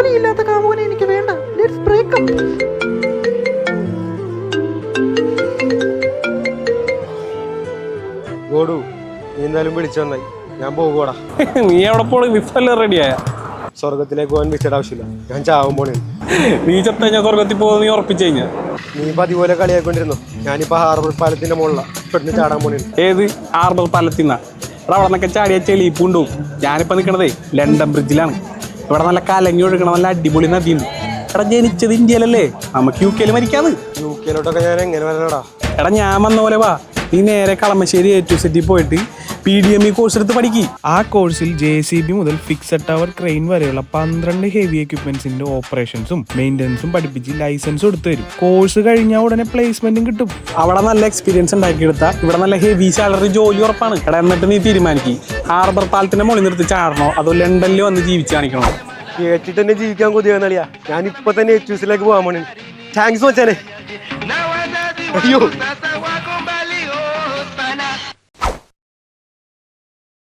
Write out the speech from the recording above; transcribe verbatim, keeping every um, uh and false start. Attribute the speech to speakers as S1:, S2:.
S1: ജോലിയില്ലാത്ത കാമുകനെ എനിക്ക് വേണ്ട. Let's break up.
S2: ഗോഡു, നീ എന്തായാലും വിളിച്ചു വന്നായി. ഞാൻ പോകുവാടാ.
S3: നീ എവിടെ പോണേ? വിഫല്ലേ റെഡിയായ?
S2: സ്വർഗത്തിലേക്ക് പോകാൻ വിസയുടെ ആവശ്യമില്ല. ഞാൻ ചാവാൻ പോണേ.
S3: നീ ചത്ത കഴിഞ്ഞാൽ സ്വർഗത്തിൽ പോകുന്ന നീ ഉറപ്പിച്ചു കഴിഞ്ഞാ?
S2: നീ ഇപ്പൊ അതുപോലെ കളിയാക്കൊണ്ടിരുന്നു. ഞാനിപ്പോ ഹാർബർ പാലത്തിന്റെ മുകളിലാണ് പെട്ടെന്ന് ചാടാൻ പോണേ.
S3: ഏത് ഹാർബർ പാലത്തിന്നാ? ഇവിടെ അവിടെ നിന്നൊക്കെ ചാടിയ ചെളിപ്പുണ്ടാവും. ഞാനിപ്പോ നിൽക്കണതേ ലണ്ടൻ ബ്രിഡ്ജിലാണ്. ഇവിടെ നല്ല കലങ്ങി ഒഴുകണം നല്ല അടിപൊളി നദിയുണ്ട്. എടാ ജനിച്ചത് ഇന്ത്യയിലല്ലേ, നമുക്ക് യു കെയിൽ മരിക്കാത്.
S2: യു കെയിലോട്ടൊക്കെ ഞാൻ എങ്ങനെ വരണടാ?
S3: എടാ ഞാൻ വന്ന പോലെ വാ. നീ നേരെ കളമശ്ശേരി എ ടു സെറ്റിൽ പോയിട്ട് P D M E course എടുത്ത് പഠിക്കി.
S4: ആ കോഴ്സിൽ ജെ സി ബി മുതൽ ഫിക്സഡ് ടവർ ക്രെയിൻ വരെയുള്ള പന്ത്രണ്ട് ഹെവി എക്യുപ്മെന്റ്സിന്റെ ഓപ്പറേഷൻസും മെയിൻ്റനൻസും പഠിപ്പിച്ച് ലൈസൻസ് കൊടുത്തു തരും. കോഴ്സ് കഴിഞ്ഞാൽ ഉടനെ പ്ലേസ്മെന്റും കിട്ടും.
S3: അവിടെ നല്ല എക്സ്പീരിയൻസ് ഉണ്ടാക്കിയെടുത്താൽ ഇവിടെ നല്ല ഹെവി സാലറി ജോലി ഉറപ്പാണ്. എടാ എന്നിട്ട് നീ തീരുമാനിക്കും ഹാർബർ പാലത്തിന്റെ മുകളിൽ നിർത്തി ചാടണോ അതോ ലണ്ടനിൽ വന്ന് ജീവിച്ച് കാണിക്കണോ?
S2: കേട്ടിട്ട് തന്നെ ജീവിക്കാൻ കൊതിയാന്നളിയാ. ഞാൻ ഇപ്പൊ തന്നെ എച്ച് യൂസിലേക്ക് പോകാൻ പോണേ. താങ്ക്സ് മച്ചാനെ. അയ്യോ